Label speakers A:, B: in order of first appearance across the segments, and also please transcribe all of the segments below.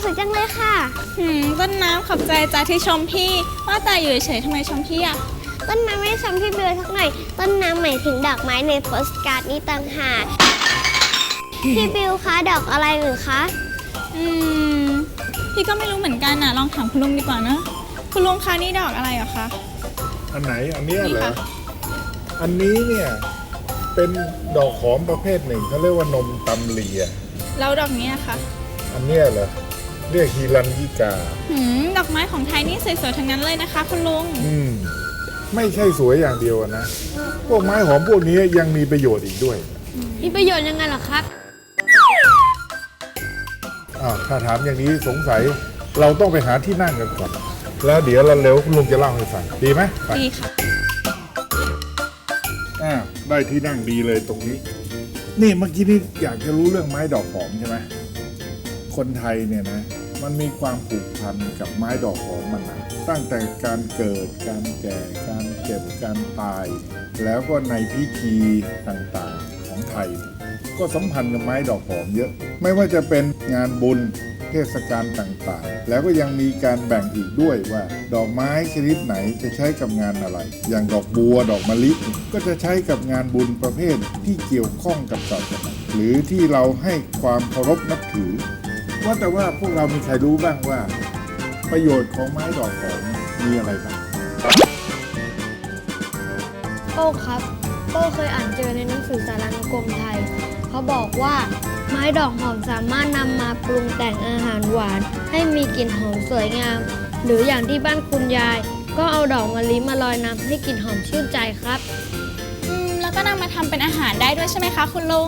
A: สวยจังเลยค่ะ
B: ต้นน้ำขอบใจจ้าที่ชมพี่ว่าแต่อยู่เฉยๆทำไมชมพี่อ่ะ
A: ต้นน้ำไม่ได้ชมพี่บิวสักหน่อยต้นน้ำหมายถึงดอกไม้ในโปสการ์ดนี้ต่างหากพี่บิวคะดอกอะไรหรือคะ
B: พี่ก็ไม่รู้เหมือนกันน่ะลองถามคุณลุงดีกว่านะคุณลุงคะนี่ดอกอะไรเหรอคะ
C: อันไหนอันเนี้ยเหรอ
B: นี่ค่ะ
C: อันนี้เนี่ยเป็นดอกหอมประเภทหนึ่งเขาเรียกว่านมตำเลีย
B: แล้วดอกนี้นะคะ
C: อันเนี้ยเหรอเรียกฮิรัญญิกา
B: ดอกไม้ของไทยนี่สวยๆทั้งนั้นเลยนะคะคุณลุง
C: ไม่ใช่สวยอย่างเดียวนะพวกไม้หอมพวกนี้ยังมีประโยชน์อีกด้วย
A: มีประโยชน์ยังไงเหรอครับ
C: ถ้าถามอย่างนี้สงสัยเราต้องไปหาที่นั่งกันก่อนแล้วเดี๋ยวเราเร็วคุณลุงจะเล่าให้ฟังดีไหม
B: ดีค่ะ
C: ได้ที่นั่งดีเลยตรงนี้นี่เมื่อกี้นี่อยากจะรู้เรื่องไม้ดอกหอมใช่ไหมคนไทยเนี่ยนะมันมีความผูกพันกับไม้ดอกหอมมันนะตั้งแต่การเกิดการแก่การเจ็บการตาย แล้วก็ในพิธีต่างๆของไทยก็สัมพันธ์กับไม้ดอกหอมเยอะไม่ว่าจะเป็นงานบุญเทศกาลต่างๆแล้วก็ยังมีการแบ่งอีกด้วยว่าดอกไม้ชนิดไหนจะใช้กับงานอะไรอย่างดอกบัวดอกมะลิก็จะใช้กับงานบุญประเภทที่เกี่ยวข้องกับศาสนาหรือที่เราให้ความเคารพนับถือว่าแต่ว่าพวกเรามีใครรู้บ้างว่าประโยชน์ของไม้ดอกหอมมีอะไรบ้าง
A: โป้ครับโป้เคยอ่านเจอในหนังสือสารานุกรมไทยเขาบอกว่าไม้ดอกหอมสามารถนำมาปรุงแต่งอาหารหวานให้มีกลิ่นหอมสวยงามหรืออย่างที่บ้านคุณยายก็เอาดอกมะลิมาลอยน้ำให้กลิ่นหอมชื่นใจครับ
B: แล้วก็นำมาทำเป็นอาหารได้ด้วยใช่ไหมคะคุณลุง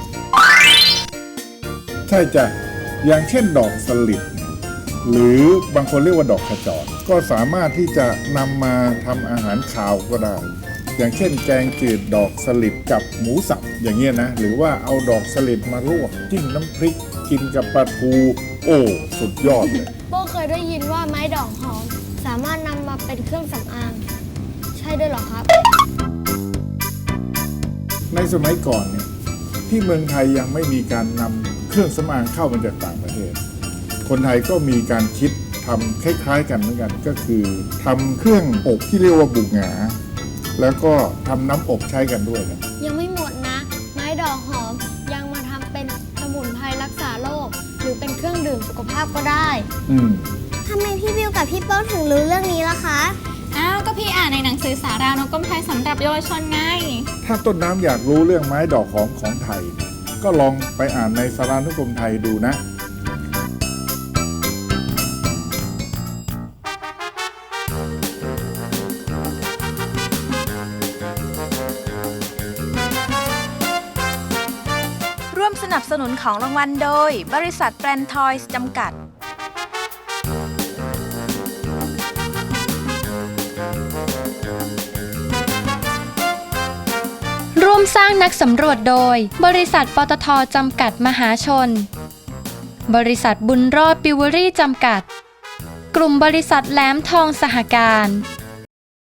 C: ใช่จ้ะอย่างเช่นดอกสลิดหรือบางคนเรียกว่าดอกขจรก็สามารถที่จะนำมาทำอาหารคาวก็ได้อย่างเช่นแกงจืดดอกสลิดกับหมูสับอย่างเงี้ยนะหรือว่าเอาดอกสลิดมาลวกจิ้มน้ำพริกกินกับปลาทูโอ้สุดยอดเลย
A: โป้เคยได้ยินว่าไม้ดอกหอมสามารถนำมาเป็นเครื่องสำอางใช่ด้วยหรอครับ
C: ในสมัยก่อนเนี่ยที่เมืองไทยยังไม่มีการนำเครื่องสำอางเข้ามาจากต่างประเทศคนไทยก็มีการคิดทำคล้ายๆกันเหมือนกันก็คือทำเครื่องอบที่เรียกว่าบุกหงาแล้วก็ทำน้ำอบใช้กันด้วยนะ
A: ยังไม่หมดนะไม้ดอกหอมยังมาทำเป็นสมุนไพรรักษาโรคหรือเป็นเครื่องดื่มสุขภาพก็ได้ทำไมพี่บิวกับพี่โป้ถึงรู้เรื่องนี้ล่ะคะ
B: ก็พี่อ่านในหนังสือสารานุกรมไทยสำหรับเยาวชนไง
C: ถ้าต้นน้ำอยากรู้เรื่องไม้ดอกหอมของไทยก็ลองไปอ่านในสารานุกรมไทยดูนะ
D: ร่วมสนับสนุนของรางวัลโดยบริษัทแบรนด์ทอยส์จำกัด
E: ร่วมสร้างนักสำรวจโดยบริษัทปตท.จำกัดมหาชนบริษัทบุญรอดปิวเวอรี่จำกัดกลุ่มบริษัทแหลมทองสหการ